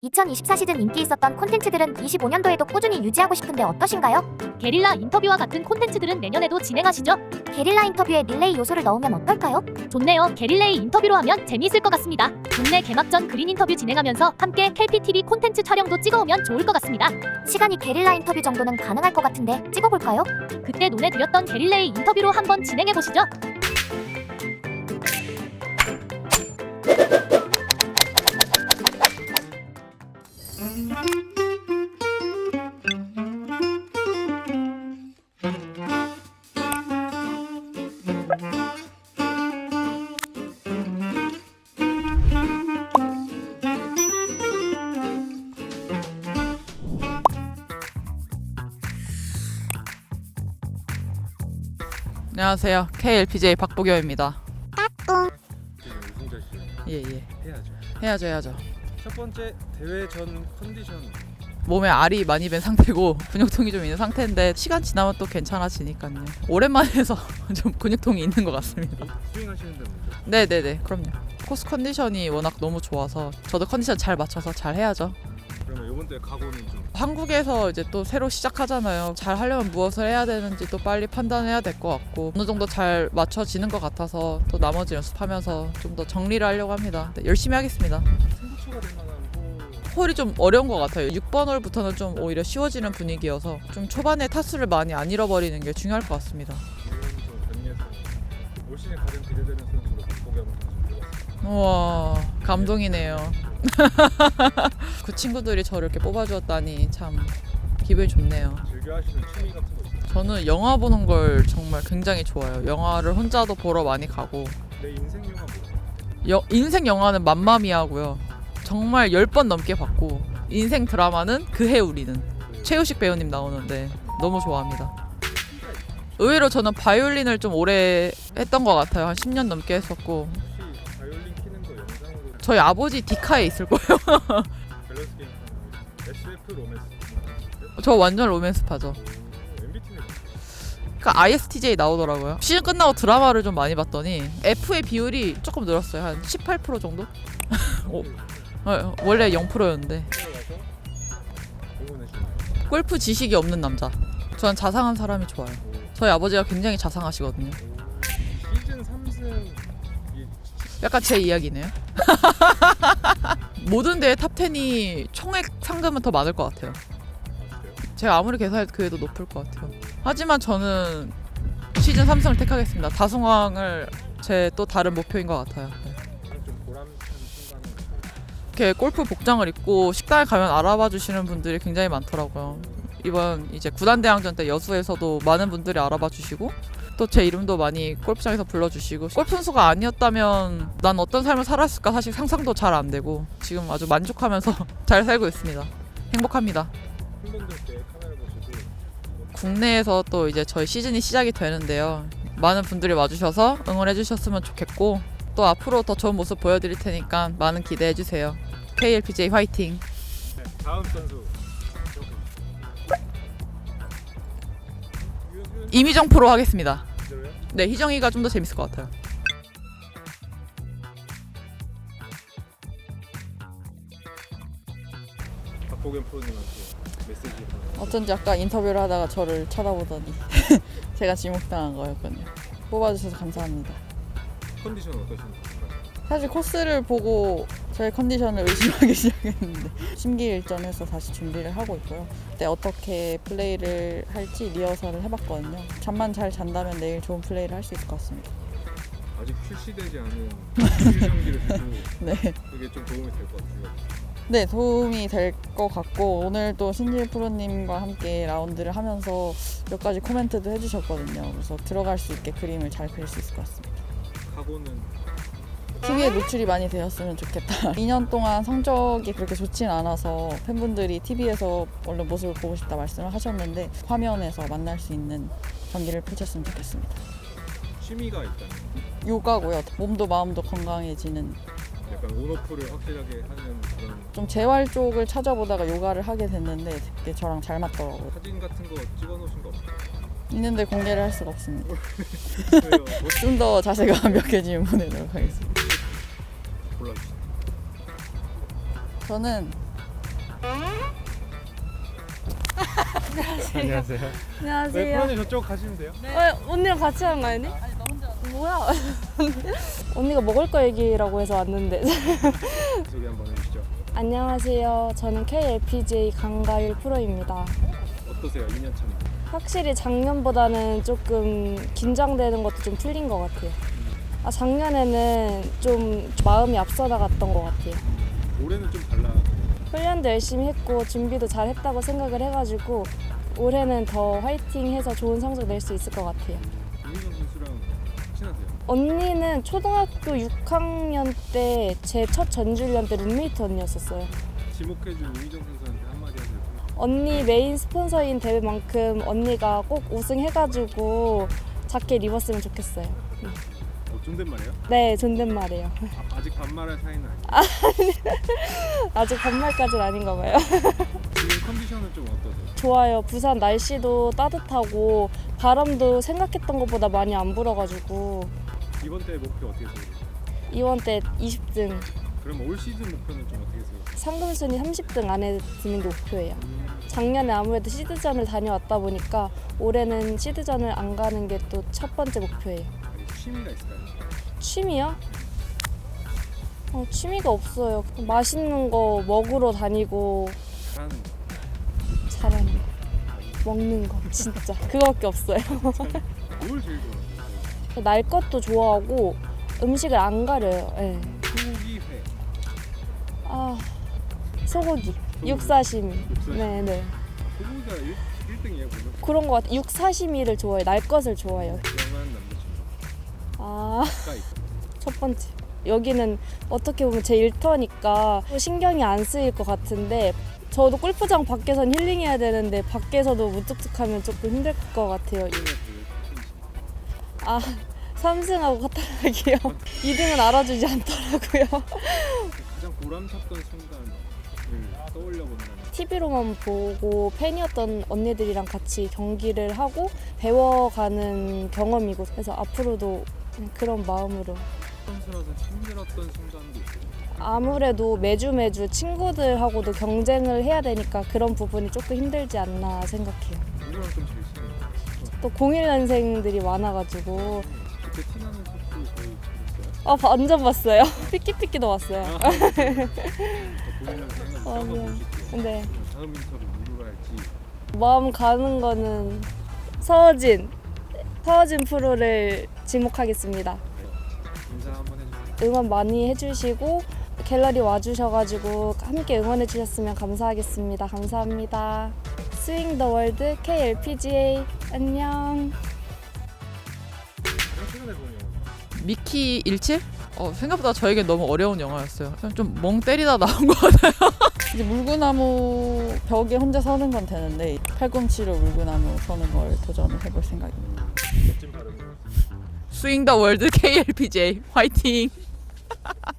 2024 시즌 인기 있었던 콘텐츠들은 25년도에도 꾸준히 유지하고 싶은데 어떠신가요? 게릴라 인터뷰와 같은 콘텐츠들은 내년에도 진행하시죠? 게릴라 인터뷰에 릴레이 요소를 넣으면 어떨까요? 좋네요. 게릴레이 인터뷰로 하면 재미있을 것 같습니다. 국내 개막 전 그린 인터뷰 진행하면서 함께 KPTV 콘텐츠 촬영도 찍어오면 좋을 것 같습니다. 시간이 게릴라 인터뷰 정도는 가능할 것 같은데 찍어볼까요? 그때 논해드렸던 게릴레이 인터뷰로 한번 진행해보시죠. 안녕하세요. KLPJ 박보경입니다. 우승자시죠? 예예. 해야죠. 해야죠. 첫 번째 대회 전 컨디션 몸에 알이 많이 밴 상태고 근육통이 좀 있는 상태인데 시간 지나면 또 괜찮아지니까요. 오랜만에 해서 좀 근육통이 있는 것 같습니다. 스윙하시는데 먼저 네네네. 그럼요. 코스 컨디션이 워낙 너무 좋아서 저도 컨디션 잘 맞춰서 잘 해야죠. 그러면 이번 대회 각오는 좀 한국에서 이제 또 새로 시작하잖아요. 잘 하려면 무엇을 해야 되는지 또 빨리 판단해야 될 것 같고 어느 정도 잘 맞춰지는 것 같아서 또 나머지 연습하면서 좀 더 정리를 하려고 합니다. 네, 열심히 하겠습니다. 승부처가 될 만한 홀이 좀 어려운 것 같아요. 6번 홀부터는 좀 오히려 쉬워지는 분위기여서 좀 초반에 타수를 많이 안 잃어버리는 게 중요할 것 같습니다. 이번 경기에서 올 시즌 가장 기대되는 선수로 박보경 선수 들어갔습니다. 우와, 감동이네요. 그 친구들이 저를 이렇게 뽑아주었다니 참 기분이 좋네요. 즐겨 하시는 취미 같은 거 있어요? 저는 영화 보는 걸 정말 굉장히 좋아해요. 영화를 혼자도 보러 많이 가고 내 인생 영화 뭐예요? 인생 영화는 맘마미아고요. 정말 10번 넘게 봤고 인생 드라마는 그해 우리는 최우식 배우님 나오는데 너무 좋아합니다. 의외로 저는 바이올린을 좀 오래 했던 것 같아요. 한 10년 넘게 했었고 혹시 바이올린 키는 거 영상으로 저희 아버지 디카에 있을 거예요. 밸런스 게임 하는 SF 로맨스 저 완전 로맨스파죠. MBT는 그러니까 ISTJ 나오더라고요. 시즌 끝나고 드라마를 좀 많이 봤더니 F의 비율이 조금 늘었어요. 한 18% 정도? 오. 원래 0%였는데 들어가서 응원해주는 골프 지식이 없는 남자. 저는 자상한 사람이 좋아요. 저희 아버지가 굉장히 자상하시거든요. 시즌 3승 약간 제 이야기네요. 모든 대회 탑10이 총액 상금은 더 많을 것 같아요. 제가 아무리 계산해도 그래도 높을 것 같아요. 하지만 저는 시즌 3승을 택하겠습니다. 다승왕을 제 또 다른 목표인 것 같아요. 네. 좀 보람찬 순간은 이렇게 골프 복장을 입고 식당에 가면 알아봐 주시는 분들이 굉장히 많더라고요. 이번 이제 구단대항전 때 여수에서도 많은 분들이 알아봐 주시고 또 제 이름도 많이 골프장에서 불러주시고 골프 선수가 아니었다면 난 어떤 삶을 살았을까 사실 상상도 잘 안 되고 지금 아주 만족하면서 잘 살고 있습니다. 행복합니다. 팬분들께 카메라 보시고 국내에서 또 이제 저희 시즌이 시작이 되는데요. 많은 분들이 와주셔서 응원해 주셨으면 좋겠고 또 앞으로 더 좋은 모습 보여드릴 테니까 많은 기대해 주세요. KLPJ 화이팅! 네, 다음 선수 이미정 프로 하겠습니다. 이대로요? 네, 희정이가 좀 더 재밌을 것 같아요. 박보경 프로님한테 메시지 하나. 어쩐지 아까 인터뷰를 하다가 저를 쳐다보더니 제가 지목당한 거였거든요. 뽑아주셔서 감사합니다. 컨디션은 어떠신가요? 사실 코스를 보고 저의 컨디션을 의심하기 시작했는데 심기일전해서 다시 준비를 하고 있고요. 그때 어떻게 플레이를 할지 리허설을 해봤거든요. 잠만 잘 잔다면 내일 좋은 플레이를 할 수 있을 것 같습니다. 아직 출시되지 않은 경기를 두고 네. 그게 좀 도움이 될 것 같아요. 네, 도움이 될 것 같고 오늘도 신지일 프로님과 함께 라운드를 하면서 몇 가지 코멘트도 해주셨거든요. 그래서 들어갈 수 있게 그림을 잘 그릴 수 있을 것 같습니다. 각오는 TV에 노출이 많이 되었으면 좋겠다. 2년 동안 성적이 그렇게 좋진 않아서 팬분들이 TV에서 얼른 모습을 보고 싶다 말씀을 하셨는데 화면에서 만날 수 있는 경기를 펼쳤으면 좋겠습니다. 취미가 있다면 요가고요. 몸도 마음도 건강해지는 약간 온오프를 확실하게 하는 그런 좀 재활 쪽을 찾아보다가 요가를 하게 됐는데 되게 저랑 잘 맞더라고요. 사진 같은 거 찍어놓으신 거 없어요? 있는데 공개를 할 수가 없습니다. 왜요? 뭐 좀 더 자세가 완벽해지면 보내도록 하겠습니다. 골라주세요. 저는 안녕하세요. 네, 안녕하세요. 프로님 저쪽 가시면 돼요. 언니랑 같이 하는 거 아니니? 뭐야? 언니가 먹을 거 얘기라고 해서 왔는데. 소개 한번 해주시죠. 안녕하세요. 저는 KLPGA 강가율 프로입니다. 어떠세요? 2년 차입니다. 확실히 작년보다는 조금 긴장되는 것도 좀 풀린 것 같아요. 작년에는 좀 마음이 앞서 나갔던 것 같아요. 올해는 좀 달라. 훈련도 열심히 했고 준비도 잘 했다고 생각을 해가지고 올해는 더 화이팅해서 좋은 성적 낼 수 있을 것 같아요. 김민정 선수랑 친하세요? 언니는 초등학교 6학년 때 제 첫 전주훈련 때 룸메이트 언니였었어요. 지목해준 우희정 선수한테 한마디 하세요. 언니 메인 스폰서인 대회만큼 언니가 꼭 우승해가지고 자켓 입었으면 좋겠어요. 존댓말이에요? 네, 존댓말이에요. 아직 반말할 사이는 아니에요. 아직 반말까지는 아닌가 봐요. 지금 컨디션은 좀 어떠세요? 좋아요. 부산 날씨도 따뜻하고 바람도 생각했던 것보다 많이 안 불어가지고 이번 대 목표 어떻게 세우세요? 이번 때 20등, 그럼 올 시즌 목표는 좀 어떻게 세우세요? 상금순위 30등 안에 드는 게 목표예요. 작년에 아무래도 시드전을 다녀왔다 보니까 올해는 시드전을 안 가는 게 또 첫 번째 목표예요. 아니, 취미가 있을까요? 취미요? 취미가 없어요. 맛있는 거 먹으러 다니고 잘하는 거. 잘하는 거, 먹는 거 진짜 그거밖에 없어요. 뭘 제일 좋아하세요? 날 것도 좋아하고 음식을 안 가려요. 네. 소고기 회. 소고기, 육사시미. 네네. 소고기가 1등이에요 보면? 그런 거 같아. 육사시미를 좋아해요. 날 것을 좋아해요. 영한 남자친구. 가까이. 첫 번째. 여기는 어떻게 보면 제 일터니까 신경이 안 쓰일 것 같은데 저도 골프장 밖에선 힐링해야 되는데 밖에서도 무뚝뚝하면 조금 힘들 것 같아요. 3승하고 카타락이요. 2등은 알아주지 않더라고요. 가장 보람찼던 순간을 떠올려 본다면 TV로만 보고 팬이었던 언니들이랑 같이 경기를 하고 배워가는 경험이고 그래서 앞으로도 그냥 그런 마음으로 선수라서 힘들었던 순간도 있어요. 아무래도 매주 친구들하고도 경쟁을 해야 되니까 그런 부분이 조금 힘들지 않나 생각해요. 누구랑 좀 제일 친해요? 또 01년생들이 많아가지고 그때 티나는 샷도 거의 있어요? 완전 봤어요. 삐끼삐끼도 봤어요. 보이면서 해가지고 맞아요. 볼수 있게. 근데 다음 인터뷰 누구로 할지. 마음 가는 거는 서진 프로를 지목하겠습니다. 인사 한번 해주세요. 응원 많이 해주시고 갤러리 와주셔가지고 함께 응원해 주셨으면 감사하겠습니다. 감사합니다. 스윙 더 월드 KLPGA 안녕. 가장 최근에 본 영화. 미키 17? 생각보다 저에게 너무 어려운 영화였어요. 좀 멍 때리다 나온 것 같아요. 이제 물구나무 벽에 혼자 서는 건 되는데 팔꿈치로 물구나무 서는 걸 도전을 해볼 생각입니다. 멋진 발음을. 스윙 더 월드 KLPJ 화이팅!